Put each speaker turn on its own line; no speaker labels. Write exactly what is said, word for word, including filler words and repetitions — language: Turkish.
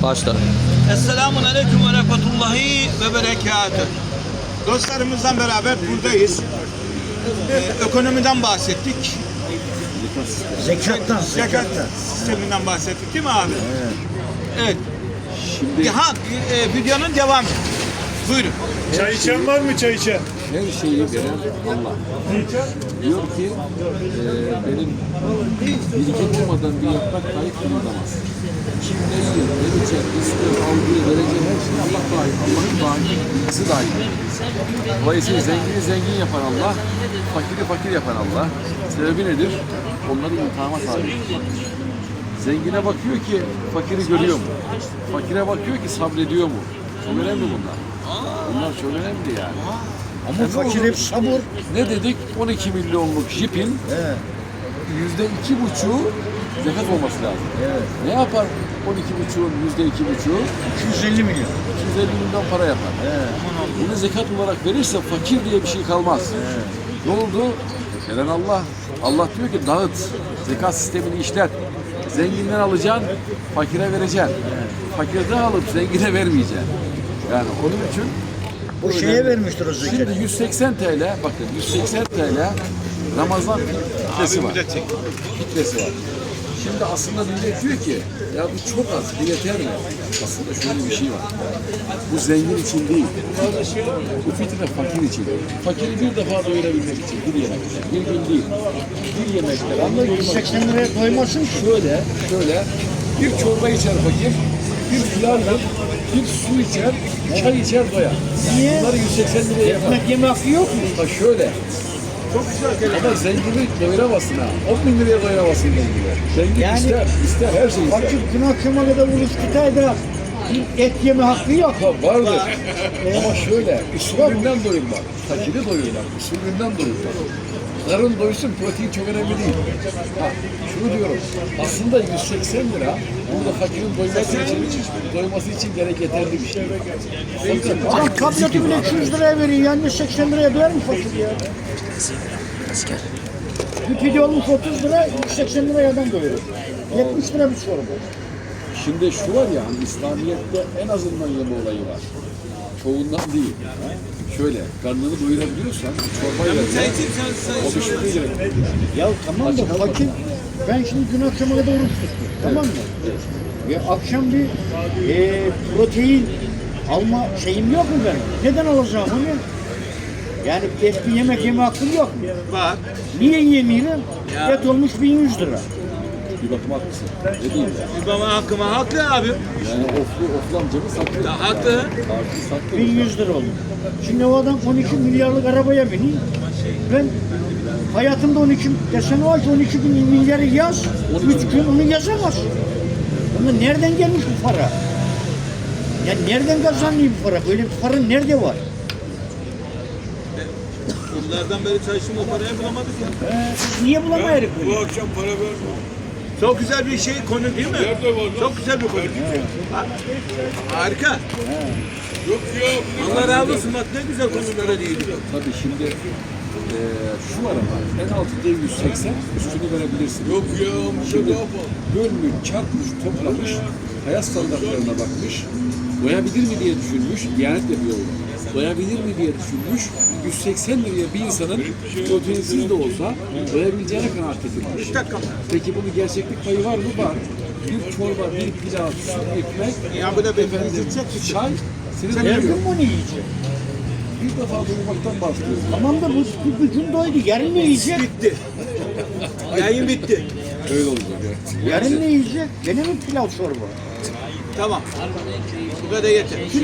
Başla.
Esselamun Aleyküm ve Rahmetullahi ve Berekatüh. Dostlarımızla beraber buradayız. Ee, ekonomiden bahsettik.
Zekattan,
Zekat sisteminden bahsettik değil mi abi? Evet. Evet. Şimdi ha, e, videonun devamı. Buyurun.
Çay içen var mı çay içen?
Her şeyi veren Allah. Diyor ki e, benim bilgi olmadan bir yaprak dahi kırılamaz. Kim ne yiyor, ne içer, istiyor, aldığı, vereceği her şey Allah dahil. Allah'ın dahilisi dahil. Dolayısıyla zengini zengin yapan Allah, fakiri fakir yapan Allah. Sebebi nedir? Onları imtihana tabi. Zengine bakıyor ki fakiri görüyor mu? Fakire bakıyor ki sabrediyor mu? Çok önemli bunlar. Bunlar çok önemli yani.
Ama fakir hep sabır.
Ne dedik? on iki milyonluk jipin yüzde iki buçuğu zekat olması lazım.
Evet.
Ne yapar on iki buçuğun yüzde iki buçuğu?
iki yüz elli milyon.
iki yüz elli milyon para yapar.
Evet.
Bunu zekat olarak verirse fakir diye bir şey kalmaz.
Evet.
Ne oldu? Veren Allah. Allah diyor ki dağıt. Zekat sistemini işlet. Zenginden alacaksın, fakire vereceksin. Fakirden alıp zengine vermeyeceksin. Yani onun için
O şeye vermiştir o zekatı.
şimdi yüz seksen T L, bakın yüz seksen T L Ramazan fitresi var. Fitresi var. Şimdi aslında millet diyor ki ya bu çok az, bu yeter mi? Aslında şöyle bir şey var. Bu zengin için değil. Bu fitre fakir için. Fakiri bir defa doyurabilmek için bir yemekte. Bir gün değil. Bir yemekte.
Ama yüz seksen liraya doymasın ki.
Şöyle, şöyle bir çorba içer fakir, bir pilav yer, bir su içer, çay içer doyar.
Niye?
Bunları yüz seksen liraya yapar.
Ekmek yeme hakkı yok mu?
Bak şöyle. Çok güzel. Ama zengini doyuramazsın ha. on bin liraya doyuramazsın zengini. Zengin
Yani-
ister, ister her şeyi ister.
Fakir gün akşama kadar oruç tutar da bir et yeme hakkı yok.
Ha, vardır. Ama şöyle, usulünden doyurmak. Fakiri doyurmak, usulünden doyurmak. Karın doysun, protein çok önemli değil. Ha, şunu diyorum, aslında yüz seksen lira burada fakirin doyması için, doyması için gerek yeterli bir şey. Fakat
Adam tableti bile iki yüz liraya veriyor. Yani yüz seksen liraya doyar mı fakir ya? Bir pide olmuş otuz lira, yüz seksen liraya adam doyuyor. yetmiş lira bir çorba.
şimdi şu var ya, hani İslamiyet'te en azından yeme olayı var. Çoğundan değil. Şöyle, karnını doyurabiliyorsan çorbayla o bir şey gerek.
Ya tamam da fakir, ben şimdi gün akşama kadar oruç tuttum, tamam mı? Ya akşam bir e, protein alma şeyim yok mu benim? Neden alacağım onu? Yani et bir yemek yeme hakkım yok mu?
Bak.
Niye yemiyorum? Et olmuş bin yüz lira.
Bir bakım haklısın. Ne diyeyim ya?
Baba hakkıma haklı abi.
Yani oflu, oflu amcamı saklıyor.
Ya, haklı.
Artık saklıyor.
bin yüz lira olmuş. Şimdi o adam on iki milyarlık arabaya biniyor. Ben hayatımda on iki desene o ki on iki bin milyarı yaz. üç gün onu yazamaz. Ama nereden gelmiş bu para? Ya nereden kazanıyor bu para? Böyle bir para nerede var?
Yıllardan beri çalıştım o parayı bulamadık ya.
Ee, siz niye bulamayız
Bu
bunu?
akşam para verme.
Çok güzel bir şey konu değil mi?
Nerede var lan?
Çok güzel bir konu. Ha, harika.
Yok ya.
Allah razı olsun bak ne güzel konulara değiniyor.
Tabii şimdi eee şu var ama en altında yüz seksen üstünü verebilirsin.
Yok ya.
Şimdi
Ne yapalım?
bölmüş, çarpmış, toplamış, hayat standartlarına bakmış, doyabilir mi diye düşünmüş, Diyanet yapıyor onu. Doyabilir mi diye düşünmüş, yüz seksen liraya bir insanın proteinsiz de olsa doyabileceğine kanaat getirmiş.
Bir dakika.
Peki bunun gerçeklik payı var mı? Var. Bir çorba, bir pilav, su, ekmek,
Ya bu da bir
efendim,
yiyecek bir şey.
çay, seni
Her
doyuruyor.
gün bunu yiyecek.
Bir defa doyurmaktan bahsediyoruz.
Tamam da bu, bu, bu gün doydu. Yarın ne yiyecek?
Bitti. Yayın bitti.
Öyle olacak ya.
Yarın ne yiyecek? Gene mi pilav çorba?
Tamam. Bu kadar yeter.